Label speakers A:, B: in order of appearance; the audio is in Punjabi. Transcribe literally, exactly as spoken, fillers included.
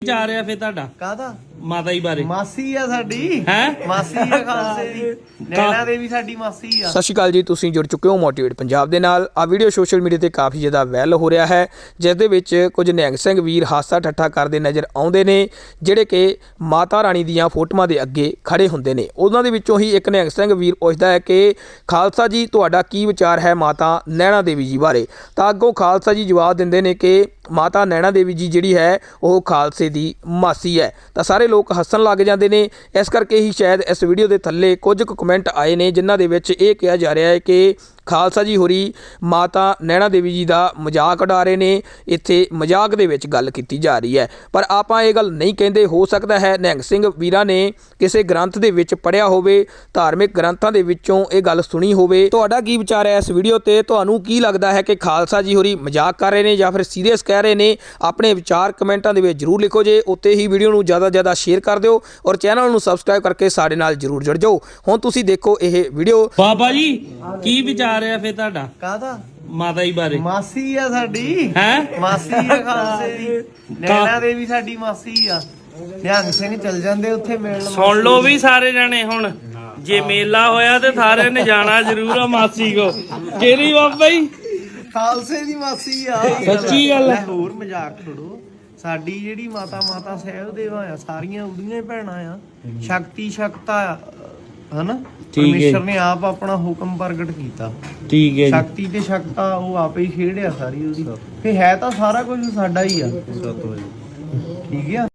A: ਜਾ ਰਿਹਾ ਫੇ ਤੁਹਾਡਾ
B: ਕਾਹਦਾ
A: ਮਾਤਾ ਜੀ ਬਾਰੇ
B: ਮਾਸੀ ਆ ਸਾਡੀ
A: ਹੈ
B: ਮਾਸੀ ਆ ਖਾਲਸੇ ਦੀ ਨੈਣਾ ਦੇਵੀ ਸਾਡੀ ਮਾਸੀ ਆ।
C: ਸਤਿ ਸ਼੍ਰੀ ਅਕਾਲ ਜੀ, ਤੁਸੀਂ ਜੁੜ ਚੁੱਕੇ ਹੋ ਮੋਟੀਵੇਟ ਪੰਜਾਬ ਦੇ ਨਾਲ। ਆ ਵੀਡੀਓ ਸੋਸ਼ਲ ਮੀਡੀਆ ਤੇ ਕਾਫੀ ਜ਼ਿਆਦਾ ਵਾਇਰਲ ਹੋ ਰਿਹਾ ਹੈ, ਜਿਸ ਦੇ ਵਿੱਚ ਕੁਝ ਨਿਹੰਗ ਸਿੰਘ ਵੀਰ ਹਾਸਾ ਠੱਠਾ ਕਰਦੇ ਨਜ਼ਰ ਆਉਂਦੇ ਨੇ, ਜਿਹੜੇ ਕਿ ਮਾਤਾ ਰਾਣੀ ਦੀਆਂ ਫੋਟੋਆਂ ਦੇ ਅੱਗੇ ਖੜੇ ਹੁੰਦੇ ਨੇ। ਉਹਨਾਂ ਦੇ ਵਿੱਚੋਂ ਹੀ ਇੱਕ ਨਿਹੰਗ ਸਿੰਘ ਵੀਰ ਪੁੱਛਦਾ ਹੈ ਕਿ ਖਾਲਸਾ ਜੀ ਤੁਹਾਡਾ ਕੀ ਵਿਚਾਰ ਹੈ ਮਾਤਾ ਨੈਣਾ ਦੇਵੀ ਜੀ ਬਾਰੇ। ਤਾਂ ਅੱਗੋਂ ਖਾਲਸਾ ਜੀ ਜਵਾਬ ਦਿੰਦੇ ਨੇ ਕਿ ਮਾਤਾ ਨੈਣਾ ਦੇਵੀ ਜੀ ਜਿਹੜੀ ਹੈ ਉਹ ਖਾਲਸੇ ਦੀ ਮਾਸੀ ਹੈ। ਤਾਂ ਸਾਰੇ ਲੋਕ ਹੱਸਣ ਲੱਗ ਜਾਂਦੇ ਨੇ। ਇਸ ਕਰਕੇ ਹੀ ਸ਼ਾਇਦ ਇਸ ਵੀਡੀਓ ਦੇ ਥੱਲੇ ਕੁਝ ਕੁ ਕਮੈਂਟ ਆਏ ਨੇ, ਜਿਨ੍ਹਾਂ ਦੇ ਵਿੱਚ ਇਹ ਕਿਹਾ ਜਾ ਰਿਹਾ ਹੈ ਕਿ ਖਾਲਸਾ ਜੀ ਹੋਰੀ ਮਾਤਾ ਨੈਣਾ ਦੇਵੀ ਜੀ ਦਾ ਮਜ਼ਾਕ ਉਡਾ ਰਹੇ ਨੇ। ਇੱਥੇ ਮਜ਼ਾਕ ਦੇ ਵਿੱਚ ਗੱਲ ਕੀਤੀ ਜਾ ਰਹੀ ਹੈ, ਪਰ ਆਪਾਂ ਇਹ ਗੱਲ ਨਹੀਂ ਕਹਿੰਦੇ। ਹੋ ਸਕਦਾ ਹੈ ਨਿਹੰਗ ਸਿੰਘ ਵੀਰਾਂ ਨੇ ਕਿਸੇ ਗ੍ਰੰਥ ਦੇ ਵਿੱਚ ਪੜ੍ਹਿਆ ਹੋਵੇ, ਧਾਰਮਿਕ ਗ੍ਰੰਥਾਂ ਦੇ ਵਿੱਚੋਂ ਇਹ ਗੱਲ ਸੁਣੀ ਹੋਵੇ। ਤੁਹਾਡਾ ਕੀ ਵਿਚਾਰ ਹੈ ਇਸ ਵੀਡੀਓ ਤੇ? ਤੁਹਾਨੂੰ ਕੀ ਲੱਗਦਾ ਹੈ ਕਿ ਖਾਲਸਾ ਜੀ ਹੋਰੀ ਮਜ਼ਾਕ ਕਰ ਰਹੇ ਨੇ ਜਾਂ ਫਿਰ ਸੀਰੀਅਸ ਕਹਿ ਰਹੇ ਨੇ? ਆਪਣੇ ਵਿਚਾਰ ਕਮੈਂਟਾਂ ਦੇ ਵਿੱਚ ਜ਼ਰੂਰ ਲਿਖੋ ਜੇ। ਉੱਤੇ ਹੀ ਵੀਡੀਓ ਨੂੰ ਜ਼ਿਆਦਾ ਜ਼ਿਆਦਾ ਸ਼ੇਅਰ ਕਰ ਦਿਓ ਔਰ ਚੈਨਲ ਨੂੰ ਸਬਸਕ੍ਰਾਈਬ ਕਰਕੇ ਸਾਡੇ ਨਾਲ ਜ਼ਰੂਰ ਜੁੜ ਜਾਓ। ਹੁਣ ਤੁਸੀਂ ਦੇਖੋ ਇਹ ਵੀਡੀਓ।
A: ਬਾਬਾ ਜੀ ਕੀ ਵਿਚਾਰ ਰਿਹਾ ਫੇ ਤੁਹਾਡਾ
B: ਕਾਹਦਾ
A: ਮਾਤਾ ਜੀ ਬਾਰੇ?
B: ਮਾਸੀ ਆ ਸਾਡੀ
A: ਹੈ
B: ਮਾਸੀ ਆ ਖਾਲਸੇ ਦੀ ਨੈਣਾ ਦੇਵੀ ਸਾਡੀ ਮਾਸੀ ਆ। ਨਿਹੰਗ ਸਿੰਘ ਚੱਲ ਜਾਂਦੇ ਉੱਥੇ ਮਿਲਣ।
A: ਸੁਣ ਲਓ ਵੀ ਸਾਰੇ ਜਣੇ, ਹੁਣ ਜੇ ਮੇਲਾ ਹੋਇਆ ਤੇ ਸਾਰੇ ਨੇ ਜਾਣਾ ਜ਼ਰੂਰ ਆ ਮਾਸੀ ਕੋ। ਕਿਹੜੀ ਬਾਬਾ ਜੀ?
B: ਖਾਲਸੇ ਦੀ ਮਾਸੀ ਆ।
A: ਸੱਚੀ ਗੱਲ ਹੈ।
B: ਹੋਰ ਮਜ਼ਾਕ ਛੋੜੋ। ਸਾਡੀ ਜਿਹੜੀ ਮਾਤਾ ਮਾਤਾ ਸਾਹਿਬ ਦੇਵਾ ਆ, ਸਾਰੀਆਂ ਉਹਦੀਆਂ ਹੀ ਭੈਣਾਂ ਆ। ਸ਼ਕਤੀ ਸ਼ਕਤਾ ਆ, ਹਨਾ? ਪਰਮੇਸ਼ਰ ਨੇ ਆਪ ਆਪਣਾ ਹੁਕਮ ਪ੍ਰਗਟ ਕੀਤਾ।
A: ਠੀਕ ਹੈ ਜੀ।
B: ਸ਼ਕਤੀ ਤੇ ਸ਼ਕਤਾ ਉਹ ਆਪੇ ਹੀ ਖੇਡਿਆ ਸਾਰੀ ਉਹਦੀ। ਫੇ ਹੈ ਤਾਂ ਸਾਰਾ ਕੁਝ ਸਾਡਾ ਹੀ ਆ। ਠੀਕ ਆ।